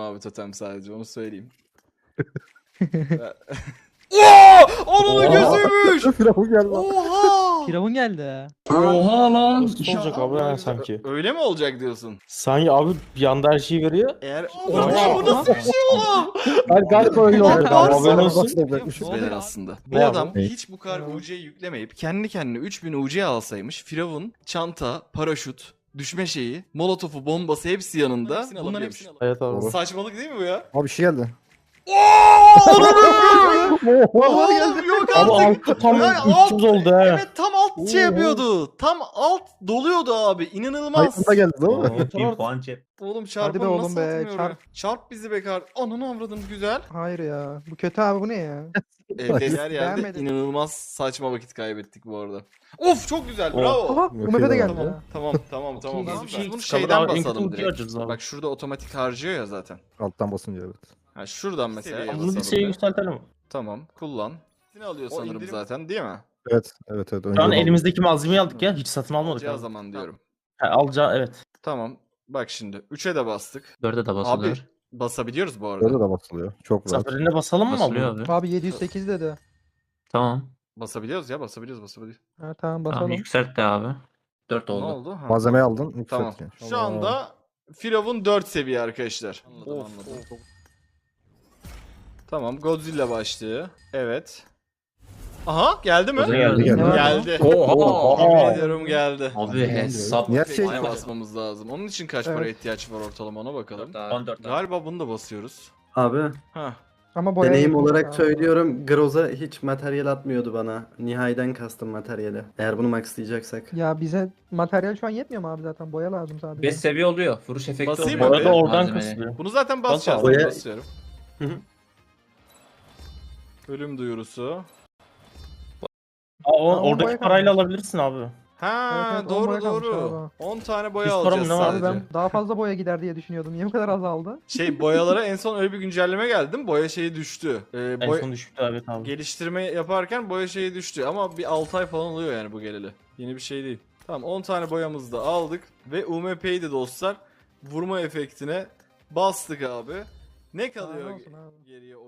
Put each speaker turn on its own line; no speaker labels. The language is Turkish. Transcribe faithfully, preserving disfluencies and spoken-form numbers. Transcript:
abi totem sadece onu söyleyeyim. Ooo! Onun gözüymüş!
Firavun geldi.
Oha!
Firavun geldi.
Oha lan.
Nasıl olacak abi ha sanki?
Öyle mi olacak diyorsun?
Sanki abi bir anda her şeyi veriyor.
Eğer...
Oha!
Oha bu nasıl bir şey oğlum?
Ben galiba öyle oldu.
Var-
haberin olsun.
Nasıl olacakmış?
Ne
Beyler
oluyor?
aslında. Bu
Ne
adam
abi?
hiç bu kadar U C yüklemeyip kendi kendine üç bin U C alsaymış. Firavun, çanta, paraşüt, düşme şeyi, molotofu, bombası hepsi yanında. Bunların hepsini
Evet abi.
Doğru.
Saçmalık değil mi bu ya?
Abi bir şey geldi.
Oha geldi. Yok
Abi
artık.
altı tam
Yani
üç yüz oldu ha.
Evet tam alt şey yapıyordu. Tam alt doluyordu abi. İnanılmaz.
Hayatında geldi değil mi?
Bir puan cep.
Oğlum
Hadi
çarpalım
be oğlum
nasıl
be,
atmıyor
çarp.
oraya? Çarp bizi be kar. Ananı avradım güzel.
Hayır ya. Bu kötü abi, bu ne ya?
Evde yer yerde
Beğenmedim.
inanılmaz saçma vakit kaybettik bu arada. Of çok güzel
Oh.
bravo.
Aha, U M P'de geldi.
Tamam
ya.
tamam tamam tamam.
Tamam,
Biz,
şey,
biz bunu
çıkalım
şeyden
abi, en kötü
basalım
ultiyi
direkt.
açarız abi.
Bak şurada otomatik harcıyor ya zaten.
Alttan basınca evet.
Ha şuradan mesela
Bunu bir
basalım.
şey
be.
yükseltelim.
Tamam kullan. Ne alıyor sanırım zaten değil mi?
Evet evet evet.
Şu an
Önce
elimizdeki malzemeyi aldık ya. Hiç satın almadık
Alacağı
abi.
zaman diyorum.
Ha, alacağı evet.
Tamam. Bak şimdi üçe de bastık.
Dörde de
Abi
basılıyor.
basabiliyoruz bu arada.
Böyle de basılıyor. Çok rahat.
Zaferine basalım mı
Basılıyor
abi?
abi.
Abi yedi yüz sekiz dedi.
Tamam.
Basabiliyoruz ya basabiliyoruz basabiliyoruz.
Ha, tamam
Tamam
basalım.
yükselt de abi. Dört
Ne
oldu.
oldu? Ha.
Malzemeyi aldın. Yükselt.
Tamam.
yani.
Şu anda Firavun dört seviye arkadaşlar.
Anladım,
Of,
anladım.
of. Tamam Godzilla başlığı. Evet. Aha geldi mi?
Godzilla
geldi, geldi.
Geldi.
Oha.
Yemin ediyorum geldi.
Abi hesap.
Niye her şey-
Neye basmamız lazım? Onun için kaç
Evet.
para ihtiyaç var ortalama ona bakalım.
Dört abi. on dört abi.
Galiba bunu da basıyoruz.
Abi
Ha.
Ama boya
deneyim
yapılmış
olarak
abi.
söylüyorum, Groza hiç materyal atmıyordu bana. Nihay'den kastım materyali. Eğer bunu maxlayacaksak.
Ya bize materyal şu an yetmiyor mu abi zaten? Boya lazım sadece.
beş seviye oluyor. Vuruş efekti
Basayım
oluyor.
mı
Bu arada
be?
oradan
Malzemeleri.
kasılıyor.
Bunu zaten basacağız.
Bas
Ben
abi.
basıyorum.
Hı hı.
Ölüm duyurusu.
Aa, o-
Tamam,
oradaki
boya
parayla
kalmış.
alabilirsin abi.
Ha
Evet, evet, on
doğru
boya kalmış
doğru.
abi.
on tane boya
Yüz para mı
alacağız
ne var?
Abi
sadece.
ben daha fazla boya gider diye düşünüyordum. Niye bu kadar azaldı?
Şey boyalara en son öyle bir güncelleme geldi değil mi? Boya şeyi düştü. Ee,
En
boy-
son düşüktü evet abi.
Geliştirme yaparken boya şeyi düştü ama bir altı ay falan oluyor yani bu geleli. Yeni bir şey değil. Tamam on tane boyamızı da aldık ve U M P'yi de dostlar vurma efektine bastık abi. Ne kalıyor
Helal olsun abi.
geriye?